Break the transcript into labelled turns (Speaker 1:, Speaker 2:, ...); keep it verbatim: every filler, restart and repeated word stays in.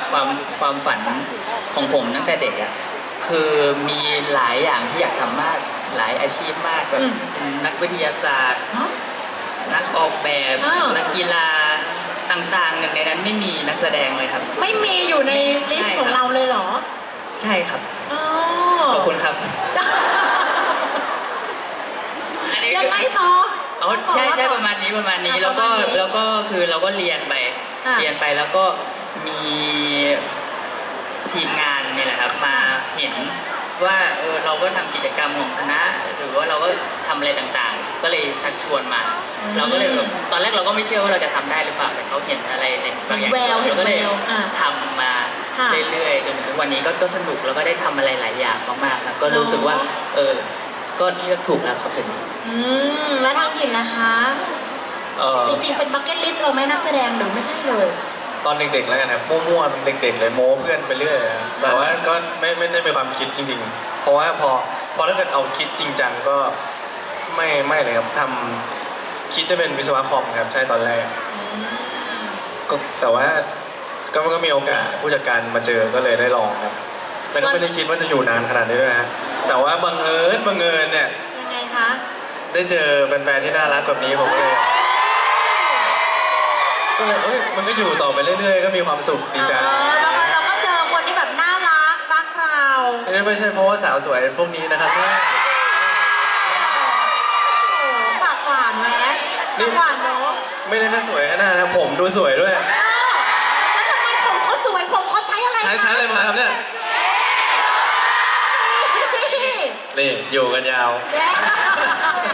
Speaker 1: ความความฝันของผมตั้งแต่เด็กอ่ะคือมีหลายอย่างที่อยากทำมากหลายอาชีพมากแบบเป็นนักวิทยาศาสตร์นักออกแบบนักกีฬาต่างๆหนึ่งในนั้นไม่มีนักแสดงเลยครับ
Speaker 2: ไม่มีอยู่ในลิสต์ของเราเลยเหรอ
Speaker 1: ใช่ครับ
Speaker 2: อ๋อ
Speaker 1: ขอบคุณครับ
Speaker 2: ยังไงต่อ
Speaker 1: อ๋อใช่ใช่ประมาณนี้ประมาณนี้แล้วก็แล้วก็คือเราก็เรียนไปเรียนไปแล้วก็มีทีมงานนี่แหละครับมาเห็นว่าเออเราก็ทำกิจกรรมของคณะหรือว่าเราก็ทำอะไรต่างๆก็เลยชักชวนมาเราก็เลยแบบตอนแรกเราก็ไม่เชื่อว่าเราจะทำได้หรือเปล่าแต่เขาเห็นอะไรในบางอย่างเราก็เลยทำมาเรื่อยๆจนถึงวันนี้ก็ก็สนุกแล้วก็ได้ทำอะไรหลายอย่างมากๆแล้วก็รู้สึกว่าเออก็เลือกถูกแล้วครับถึง
Speaker 2: อืมแล้วทางกินนะคะจริงๆเป็นบัคเก็ตลิสต์เราไหมนักแสดงหรือไม่ใช่เลย
Speaker 3: ตอนเด็กๆแล้วกันครับมั่วๆเด็กๆเลยโม้เพื่อนไปเรื่อยแต่ว่าก็ไม่ไม่ได้มีความคิดจริงๆเพราะว่าพอพอถ้าเกิดเอาคิดจริงจังก็ไม่ไม่เลยครับทำคิดจะเป็นวิศวะคอมครับใช่ตอนแรกก็แต่ว่าก็ก็มีโอกาสผู้จัดการมาเจอก็เลยได้ลองครับแต่ก็ไม่ได้คิดว่าจะอยู่นานขนาดนี้ด้วยนะแต่ว่าบังเอิญบังเอิญเนี่ย
Speaker 2: ยังไงคะ
Speaker 3: ได้เจอแฟนๆที่น่ารักแบบนี้ผมก็เลยก็เลยเอ้ยมันก็อยู่ต่อไปเรื่อยๆก็มีความสุขดีจัง
Speaker 2: แล้วเราก็เจอคนที่แบบน่ารักรักเรา
Speaker 3: อันนี้ไม่ใช่เพราะว่าสาวสวยพวกนี้นะครับ
Speaker 2: โอ้ปากหวานไหมนี่หวานเนาะ
Speaker 3: ไม่ได้แค่สวยแค่นั้นนะผมดูสวยด้วย
Speaker 2: แล้วทำไมผมเขาสวยผมเขาใช้อะไร
Speaker 3: ใช้ใช้อะไรมาครับเนี่ยนี่อยู่กันยาว